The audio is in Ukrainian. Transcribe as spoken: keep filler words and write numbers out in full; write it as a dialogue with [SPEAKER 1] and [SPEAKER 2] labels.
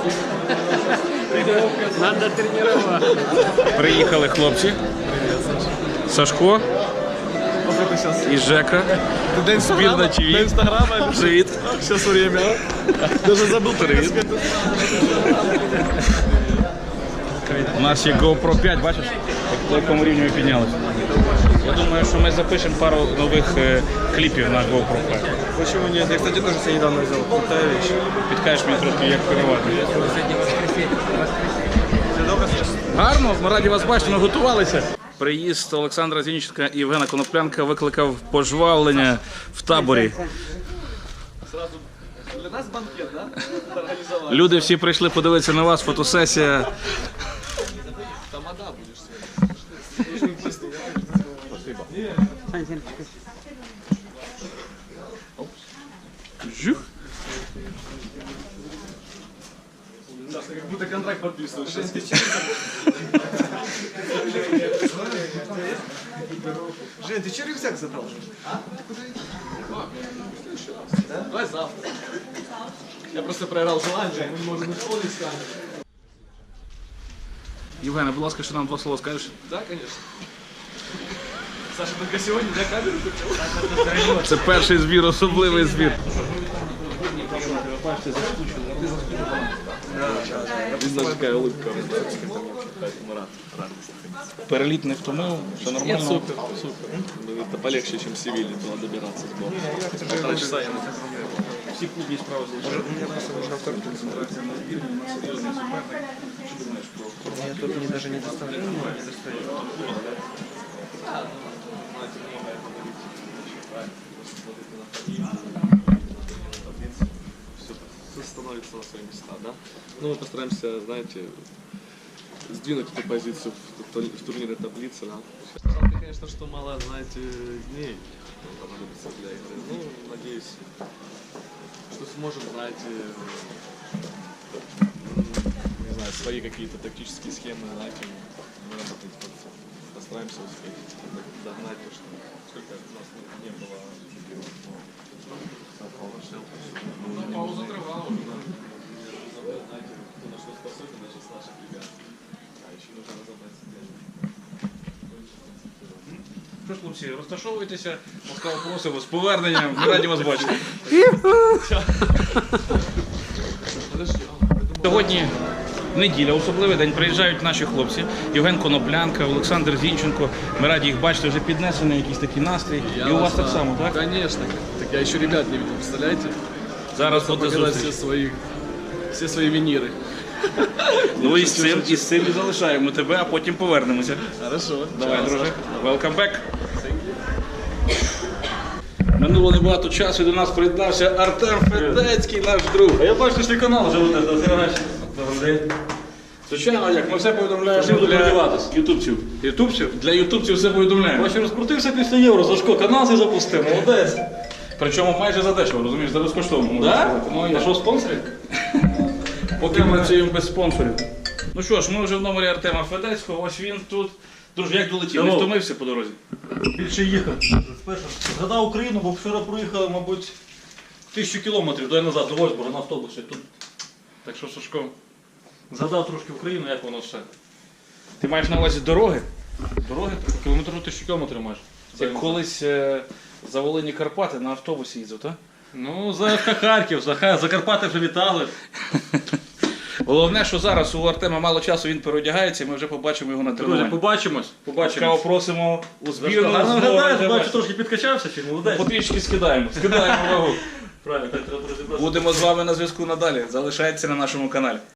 [SPEAKER 1] Надо тренировать.
[SPEAKER 2] Приїхали хлопці. Сашко і Жека. Збірна ТВ.
[SPEAKER 3] Инстаграма.
[SPEAKER 2] Привіт.
[SPEAKER 3] Сейчас время. Даже забыл привет.
[SPEAKER 2] У нас є GoPro п'ять, бачиш, по якому рівню ми піднялися. Я думаю, що ми запишемо пару нових е, кліпів на GoPro п'ять.
[SPEAKER 3] Почему нет? Я, кстати, тоже себе недавно взял. Крутая вещь.
[SPEAKER 2] Підкажеш мені трохи, як керувати. Гарно, ми раді вас бачити, ми готувалися. Приїзд Олександра Зінченка і Євгена Коноплянка викликав пожвавлення в таборі.
[SPEAKER 3] Для нас банкет, да? Организовали.
[SPEAKER 2] Люди всі прийшли подивитися на вас, фотосесія.
[SPEAKER 3] Тамада будешь.
[SPEAKER 2] Жух.
[SPEAKER 3] Как будто контракт подписываешь. Жень, ты че рюкзак забрал? А? Ты куда идешь? Давай завтра. Я просто проиграл желание, мы не можем исполнить с вами.
[SPEAKER 2] Євгене, будь ласка, що нам два слова скажеш?
[SPEAKER 3] Да, конечно. Саша, только сегодня для камеры купил?
[SPEAKER 2] Це перший збір, особливий збір.
[SPEAKER 3] Видно, какая улыбка.
[SPEAKER 2] Переліт не втомив, все нормально.
[SPEAKER 3] Супер, супер. Это полегче, чем в Севиле туда добираться с горы. Полтора часа я на
[SPEAKER 2] Всі клубні справи залишили.
[SPEAKER 3] Я тут мне даже не доставляю. Все становится на свои места, да? Ну, мы постараемся, знаете, сдвинуть эту позицию в, в турнирной таблице, да? Жалко, конечно, что мало, знаете, дней понадобится для игры. Ну, надеюсь, что сможем, знаете, не знаю, свои какие-то тактические схемы, знаете, выработать. Постараемся успеть догнать то, что сколько у нас не было.
[SPEAKER 2] Ну, пауза тривала вже.
[SPEAKER 3] Знаете, кто на что способен, даже с наших ребят. А еще нужно разобраться, где
[SPEAKER 2] Що ж, хлопці, розташовуйтеся, ласкаво просимо, з поверненням, ми раді вас бачити. Сьогодні неділя, особливий день, приїжджають наші хлопці, Євген Коноплянка, Олександр Зінченко, ми раді їх бачити, вже піднесений якийсь такий настрій, і у вас так само, так?
[SPEAKER 3] Конечно. Так я еще ребят не видел, представляете?
[SPEAKER 2] Зараз буде
[SPEAKER 3] Показать
[SPEAKER 2] зустріч.
[SPEAKER 3] все свои, все свои виниры.
[SPEAKER 2] Ну і з цим, і з цим і залишаємо тебе, а потім повернемося.
[SPEAKER 3] Хорошо.
[SPEAKER 2] Давай,
[SPEAKER 3] Чао,
[SPEAKER 2] друже.
[SPEAKER 3] Саша.
[SPEAKER 2] Welcome back. Минуло небагато часу, і до нас приєднався Артем Федецький, наш друг.
[SPEAKER 4] А я бачу, що канал вже веде, добрий день.
[SPEAKER 2] Звичайно, як ми все повідомляємо
[SPEAKER 4] Чим
[SPEAKER 2] для
[SPEAKER 4] подиватись?
[SPEAKER 2] ютубців. Ютубців? Для ютубців все повідомляємо.
[SPEAKER 4] Бачу, розкрутився після євро, Сашко, канал цей запустив, молодець.
[SPEAKER 2] Причому майже за дешево, розумієш, за безкоштовно. можна
[SPEAKER 4] Да?
[SPEAKER 2] сказати. Ну,
[SPEAKER 4] А
[SPEAKER 2] я
[SPEAKER 4] що, спонсорів?
[SPEAKER 2] поки ми працюємо без спонсорів. Ну що ж, ми вже в номері Артема Федецького, ось він тут. Друже, як долетів? Не
[SPEAKER 4] Hello.
[SPEAKER 2] втомився по дорозі?
[SPEAKER 4] Більше їхав. Спершу згадав Україну, бо вчора проїхали, мабуть, тисячу кілометрів до назад, до Вольсбурга на автобусі. Тут
[SPEAKER 2] Так що, Сашко,
[SPEAKER 4] згадав трошки Україну, як воно все.
[SPEAKER 2] ти маєш на увазі дороги?
[SPEAKER 4] Дороги кілометрів тисячу кілометрів майже.
[SPEAKER 2] Як колись е, за Волині Карпати на автобусі їздив, так?
[SPEAKER 4] Ну, за ФК Харків, за, Ха- за Карпати вже літали.
[SPEAKER 2] Головне, що зараз у Артема мало часу, він переодягається, і ми вже побачимо його на
[SPEAKER 4] Друзі,
[SPEAKER 2] тренуванні.
[SPEAKER 4] побачимось.
[SPEAKER 2] Ласкаво
[SPEAKER 4] Побачимось.
[SPEAKER 2] просимо у збірну.
[SPEAKER 4] Гарно
[SPEAKER 2] знову
[SPEAKER 4] виглядаєш,
[SPEAKER 2] йдемо.
[SPEAKER 4] бачу, трошки підкачався, чи молодець.
[SPEAKER 2] Потрішки скидаємо, скидаємо вагу.
[SPEAKER 4] Правильно, так треба розібратися.
[SPEAKER 2] Будемо з вами на зв'язку надалі. Залишайтеся на нашому каналі.